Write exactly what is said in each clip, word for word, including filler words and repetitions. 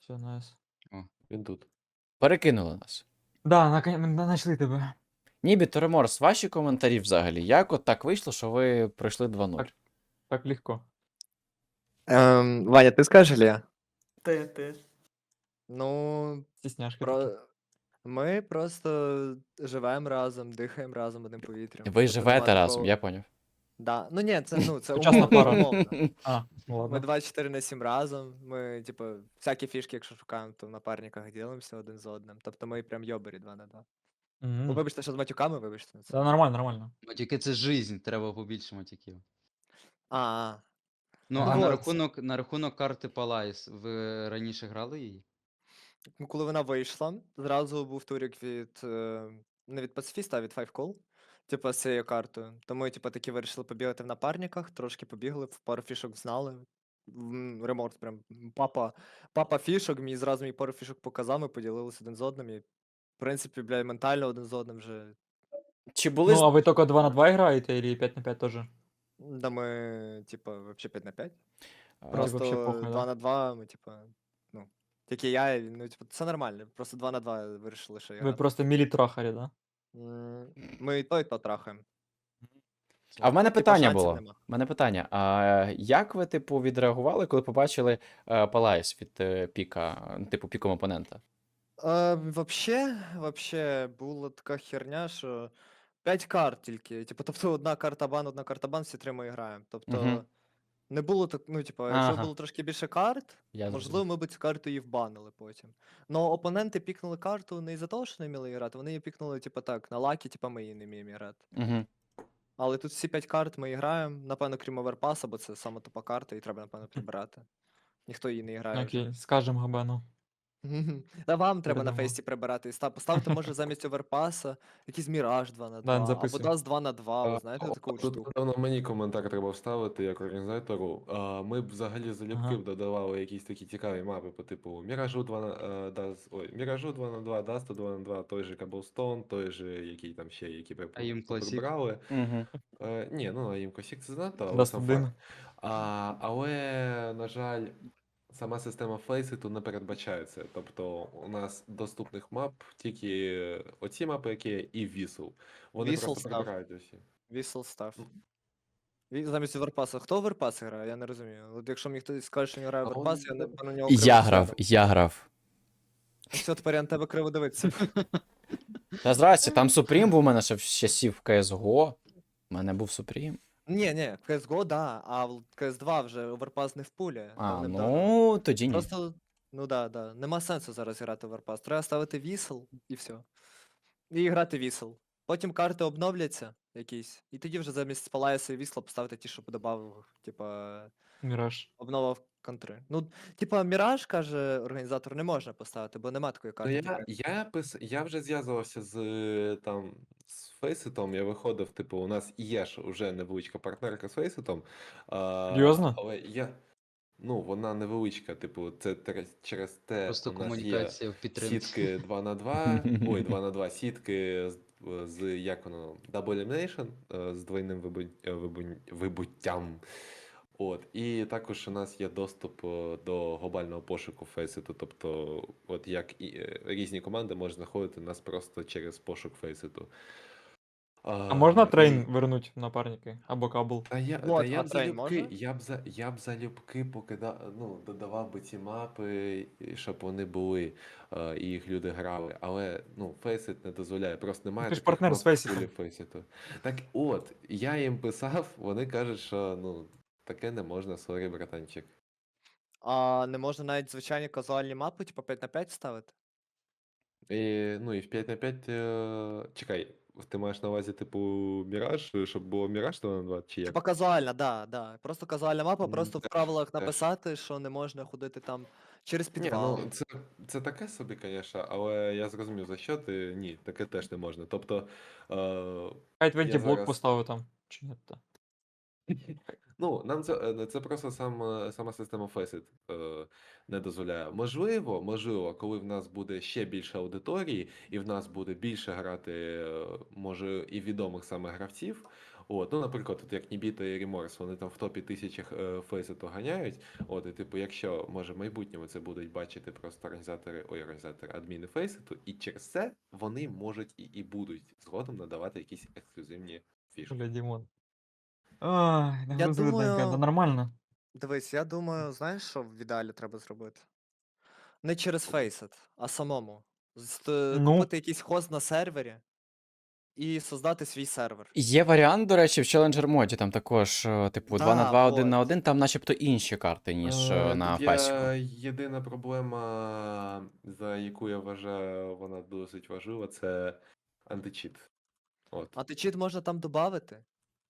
Все, найс. О, він тут. Перекинули нас. Да, нака- ми знайшли тебе. Нібі Тореморс, ваші коментарі взагалі. Як от так вийшло, що ви пройшли два нуль? Так. Так легко. Ем, Ваня, ти скажеш, или я? Ти, ти. Ну, Стісняшки такі. про... ми просто живемо разом, дихаємо разом одним повітрям. Ви Тобто живете нема разом, такого- я поняв. Да. Ну ні, це, ну, це Сучасна умовно, пара. умовно. А, ну Ми ладно. двадцять чотири на сім разом, ми, типу, всякі фішки, якщо шукаємо, то в напарниках ділимося один з одним. Тобто ми прям йобері два на два. Мгм. Ну, вибачте, що з матюками, вибачте. Це... Да, нормально, нормально. матюки це жизнь, треба побільше матюків. А, а. Ну, Ну а на от. рахунок, на рахунок карти Палайс, ви раніше грали її? Ну, коли вона вийшла, зразу був турік від е, не від пацифіста, а від Five Call. Типу, з цією картою. Тому ми, типу, таки вирішили побігати в напарниках, трошки побігли, в пару фішок знали. М, Реморт прям папа, папа фішок, мені зразу мені пару фішок показав, ми поділилися один з одним. І, в принципі, бля, ментально один з одним вже. Чи були Ну, а ви тільки два на два граєте, или п'ять на п'ять теж? Да ми, типу, вообще п'ять на п'ять. А, Просто вообще похуй, два да? на два, ми, типу, ну, тільки я, і, ну, типу, це нормально. Просто два на два вирішили, що Ви грати. просто мілі-трахарі, да? М, Ми і то, і то трахаємо. А в мене Типа, питання шансів було. нема. В мене питання. А як ви, типу, відреагували, коли побачили е, Палайс від е, піка, ну, типу, піком опонента? А, вообще, вообще була така херня, що п'ять карт тільки. Типу, тобто одна карта бан, одна карта бан, всі три ми граємо. Тобто Мгм. не було так, ну, типу, якщо Ага. було трошки більше карт, Я можливо, зрозумів. ми б цю карту і вбанили потім. Но опоненти пікнули карту не із-за того, що не вміли грати, вони її пікнули, типу, так, на лакі, типу, ми її не вміємо грати. Угу. Але тут всі п'ять карт ми і граємо, напевно, крім оверпаса, бо це саме тупа карта, і треба, напевно, прибирати. Ніхто її не грає вже. Окей, скажем Габену. Мгм. Та вам треба на Передамо. фейсі прибирати. Ста- Поставте, може, замість оверпаса якийсь міраж два на Да, не два, або записуй. даст два на два, ви А, знаєте о, таку Тут, штуку? напевно, мені коментар треба вставити як організатору. А, Ми б взагалі залюбки Ага. б додавали якісь такі цікаві мапи по типу Міражу два на е, Даст- ой, Міражу два на два, Дасту два на два, той же Cobblestone, той же, який там ще, які ви А їм Classic? прибрали. Угу. Е, ні, ну а їм Косік це знато, але Даст сам один. факт. А, але, на жаль, сама система фейситу не передбачає це. Тобто у нас доступних мап тільки оці мапи, які є, і Вісл. Вони Вісл просто став. прибирають усі. Вісл став. Ну. Ві- Замість оверпаса. Хто оверпас грає? Я не розумію. От якщо мені хтось скаже, що не грає А он- оверпас, я не на нього Я криво грав, гляну. я грав. Все, тепер я на тебе криво дивитися. Та здрасте, там Супрім був у мене ще в часів кей ес го. У мене був Супрім. Ні, ні, в кей ес го, да, а в кей ес два вже оверпас не впулює. А, давним-давно. ну тоді ні. Просто, ну да, да. Нема сенсу зараз грати в Warpass. Треба ставити вісел і все. І грати вісел. Потім карти обновляться якісь. І тоді вже замість Палаяса і вісла поставити ті, що додав, типа, Міраж. обнова в контри. Ну, типа, Міраж, каже організатор, не можна поставити, бо нема такої Ну, карти. я, типа. я, пис... я вже зв'язувався з е, там з Фейситом, я виходив, типу, у нас є ж уже невеличка партнерка з Фейситом. А, Серйозно? але я. Ну, вона невеличка, типу, це тер- через те Просто у нас є комунікація в підтримці. сітки два на два, ой, два на два сітки з, з як воно, Double Elimination, е, з двойним вибу... е, вибу- вибуттям. От, і також у нас є доступ е, до глобального пошуку Фейситу, тобто, от як і е, різні команди можуть знаходити нас просто через пошук Фейситу. А можна трейн і- вернуть в напарники? Або кабл? Та я, Вот, та я а б трейн залюбки, можна? я б за я б залюбки покидав, ну, додавав би ці мапи, і щоб вони були, е, і їх люди грали. Але ну, Faceit не дозволяє, просто немає ти ж таких партнер мап з в Faceit. пулі Faceit. Так от, я їм писав, вони кажуть, що ну, таке не можна, сорі, братанчик. А не можна навіть звичайні казуальні мапи, типа п'ять на п'ять ставити? І, ну і в п'ять на п'ять, е... чекай, ти маєш на увазі, типу, Міраж, щоб було Міраж два на два, чи як? Типа казуальна, да, да. Просто казуальна мапа, М, просто в теж, правилах теж. написати, що не можна ходити там через Ні, підвал. ну це, це таке собі, звісно, але я зрозумів, за що ти. Ні, таке теж не можна. Тобто, е, Хай твенті я блок зараз. поставив там. Чи ні? Та. Ну, нам це, е, це просто сам, е, сама система Faceit е, не дозволяє. Можливо, можливо, коли в нас буде ще більше аудиторії, і в нас буде більше грати, е, може, і відомих саме гравців, От, ну, наприклад, от як Нібіта і Remorse, вони там в топі тисячах е, фейсету ганяють. От, і типу, якщо може в майбутньому це будуть бачити просто організатори, ой, організатори адміни фейсету, і через це вони можуть і, і будуть згодом надавати якісь ексклюзивні фішки. Бля, Дімон. Ой, Я нагрузили денька, думаю, да нормально. дивись, я думаю, знаєш, що в ідеалі треба зробити? Не через Faceit, а самому. З- т- Ну, Купити якийсь хост на сервері і создати свій сервер. Є варіант, до речі, в Challenger моді, там також, е, типу, два на Да, два, один на вот. один, там начебто інші карти, ніж е, Е, на Тут Фасіку. є єдина проблема, за яку я вважаю, вона досить важлива, це античіт. От. А ти чит можна там додати?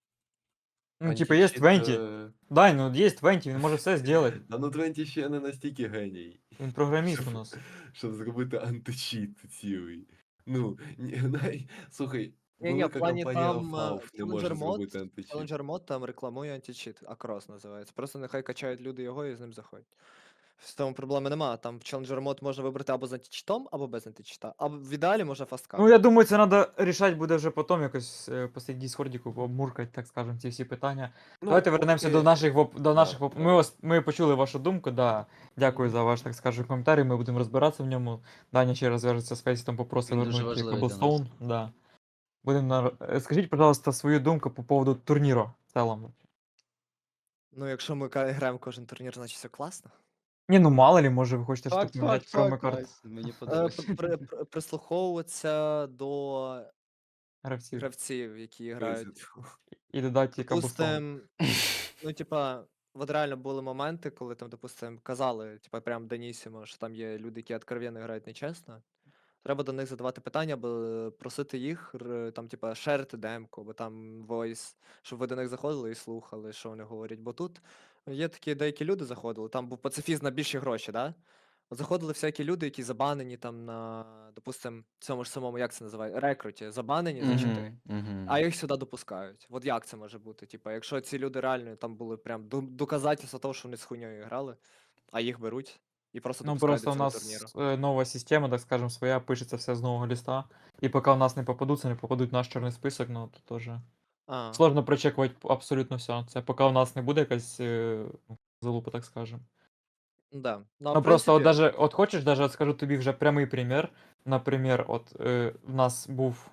ну, типа, є Античіт, двадцять. е, Дай, ну є двадцять, він може все зробити. Та ну двадцять ще не настільки геній. Він програміст у Щоб, нас. щоб зробити античіт цілий. Ну, ні, най... слухай, Ні-ні, в велика плані компанія там е, Valve не може Challenger Mod, зробити античіт. Challenger Mod там рекламує античіт, Акрос називається. Просто нехай качають люди його і з ним заходять. З тому проблеми нема. Там в Challenger Mod можна вибрати або з античітом, або без античіта. Або в ідеалі можна фасткап. Ну, я думаю, це треба рішати буде вже потім якось е, посидіти Діскордіку, обмуркати, так скажемо, ці всі питання. Ну, Давайте вернемося поки- до наших воп... до Да, наших воп... Ми да. вас ми почули вашу думку, да. Дякую за ваш, так скажу, коментарі. Ми будемо розбиратися в ньому. Даня ще раз зв'яжеться з Фейсом, попросить Він дуже вернути важливий для нас. Cobblestone. Да. Будемо на... Е, Скажіть, пожалуйста, свою думку по поводу турніру в цілому. Ну, якщо ми ка- граємо кожен турнір, значить все класно. Ні, ну мало ли, може ви хочете Факт, щось поміняти факт, в промо факт, карт Вась, мені Е, подобається. при- при- при- Прислуховуватися до гравців гравців, які грають. Фейсет. і додати Cobblestone. Допустим, ну, типа, от реально були моменти, коли там, допустим, казали, типа, прям Данісімо, що там є люди, які откровенно грають нечесно. Треба до них задавати питання, або просити їх, р- там, типа, шерити демку, або там voice, щоб ви до них заходили і слухали, що вони говорять. Бо тут є такі деякі люди заходили, там був пацифіст на більші гроші, да? От заходили всякі люди, які забанені там на, допустим, цьому ж самому, як це називає, рекруті, забанені за чити. Мгм, мгм. А їх сюди допускають. От як це може бути? Типа, якщо ці люди реально там були прям ду- доказательства того, що вони з хуйньою грали, а їх беруть і просто Ну, допускають просто до у цього турніру. нас е, нова система, так скажем, своя, пишеться все з нового листа. І поки у нас не попадуться, не попадуть в наш чорний список, ну, то теж А, сложно прочекувати абсолютно все. Це поки у нас не буде якась е, ну, залупа, так скажем. да. Ну, а Ну в просто, от принципі, даже, от хочеш, даже от скажу тобі вже прямий примір. Наприклад, от е, в нас був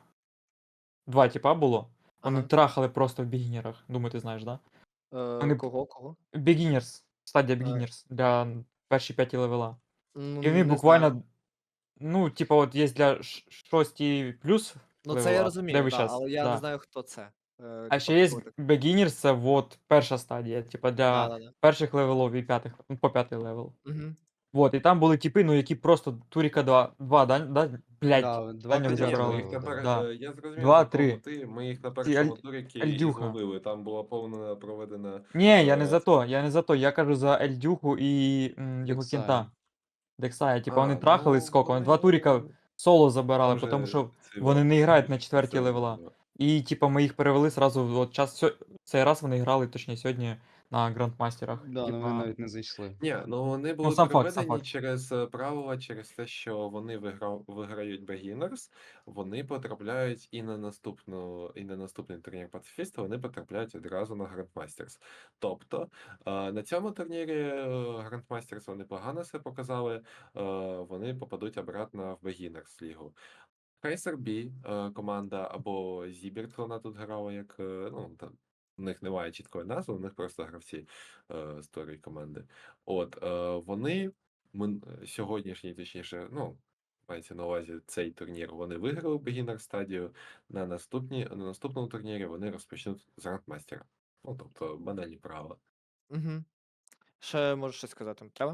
два типа було. Вони ага. трахали просто в бігінерах. Думаю, ти знаєш, да? Е, Вони кого, кого? Beginners, стадія Е, Beginners для перші п'яті левела. ну, І вони не буквально, знаю. ну, типа, от є для ш- шості плюс Ну, це я левела, де розумію, ви да, щас, але я не да. знаю, хто це. Е, А типа, ще є хто так. Beginners, це от перша стадія, типа Да, для да, да. перших левелів і п'ятих, ну, по п'ятий левел. Угу. Вот, і там були типи, ну, які просто Туріка два, два, да, да, блядь, Да, два Даня Та вже ні, ми брали. їх на пер... Да. е, я зрозумів, Два, по кому три. ти. Ми їх на Ці першому Аль- туріки і Альдюха. зловили. Там була повна проведена. Ні, я не е, за то, я не за то, я кажу за Ельдюху і м, його Дексая. кента. Дексая, типа вони А, трахали ну скільки, вони два туріка вони. соло забирали, Там тому же що цей вони варто не грають на сидить, четвертій це левела. було. І типа ми їх перевели сразу, от час сьо- цей раз вони грали, точніше сьогодні на грандмастерах. Да, ну вони Типа, навіть не зайшли. Ні, ну вони ну були сам факт, сам переведені факт. через е, правила, через те, що вони виграв, виграють Beginners, вони потрапляють і на наступну, і на наступний турнір пацифіста, вони потрапляють одразу на Grandmasters. Тобто е, на цьому турнірі е, Grandmasters вони погано себе показали, е, вони попадуть обратно в Beginners лігу. Tracer B, е, команда, або Zibert, вона тут грала, як, е, ну, там, у них немає чіткої назви, у них просто гравці е, з тої команди. От, е, вони мин- сьогоднішній, точніше, ну, мається на увазі цей турнір, вони виграли Beginner стадію, на наступні, на наступному турнірі вони розпочнуть з Grandmaster. Ну, тобто, банальні правила. Угу. Ще можеш щось сказати? Треба?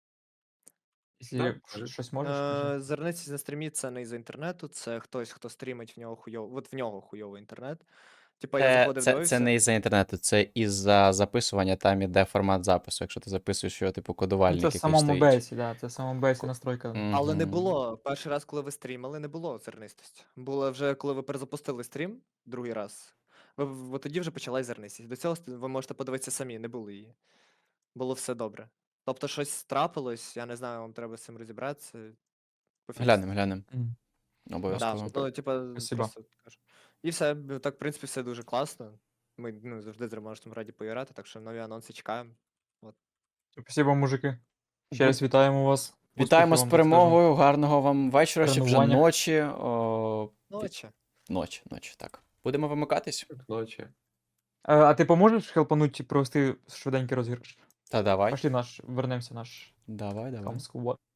Якщо Так, ш- кажи. щось можеш, кажи. Е, Зерниці на стрімі це не із інтернету, це хтось, хто стрімить в нього хуйово. От в нього хуйовий інтернет. Типа я Це, заходив, це, це дивився. не із-за інтернету, це із-за записування, там іде формат запису. Якщо ти записуєш його, типу, Ну, кодувальник, це в який самому стоїть. бейсі, да, це в самому бейсі Ко- настройка. Але не Мгм. було. Перший раз, коли ви стрімили, не було зернистості. Було вже, коли ви перезапустили стрім другий раз. Ви, ви тоді вже почалась зернистість. До цього ст- ви можете подивитися самі, не було її. Було все добре. Тобто щось трапилось, я не знаю, вам треба з цим розібратися. Пофіксити. Глянемо, глянемо. М. Да, Обов'язково. ну, типа, Спасибо. просто кажу. І все, б- так, в принципі, все дуже класно. Ми ну, завжди з Ромашем раді поіграти, так що нові анонси чекаємо. Спасибо, мужики. Ще Бу- раз вітаємо вас. Вітаємо Успіхів з вам, так скажемо. перемогою, гарного вам вечора, чи вже Тренування. ночі. О, Ночі. ночі, ночі, так. Будемо вимикатись? Ночі. Е, А ти поможеш хелпануть провести швиденький розіграш? Та давай. Пошли наш, вернемося наш Давай, давай. Камску.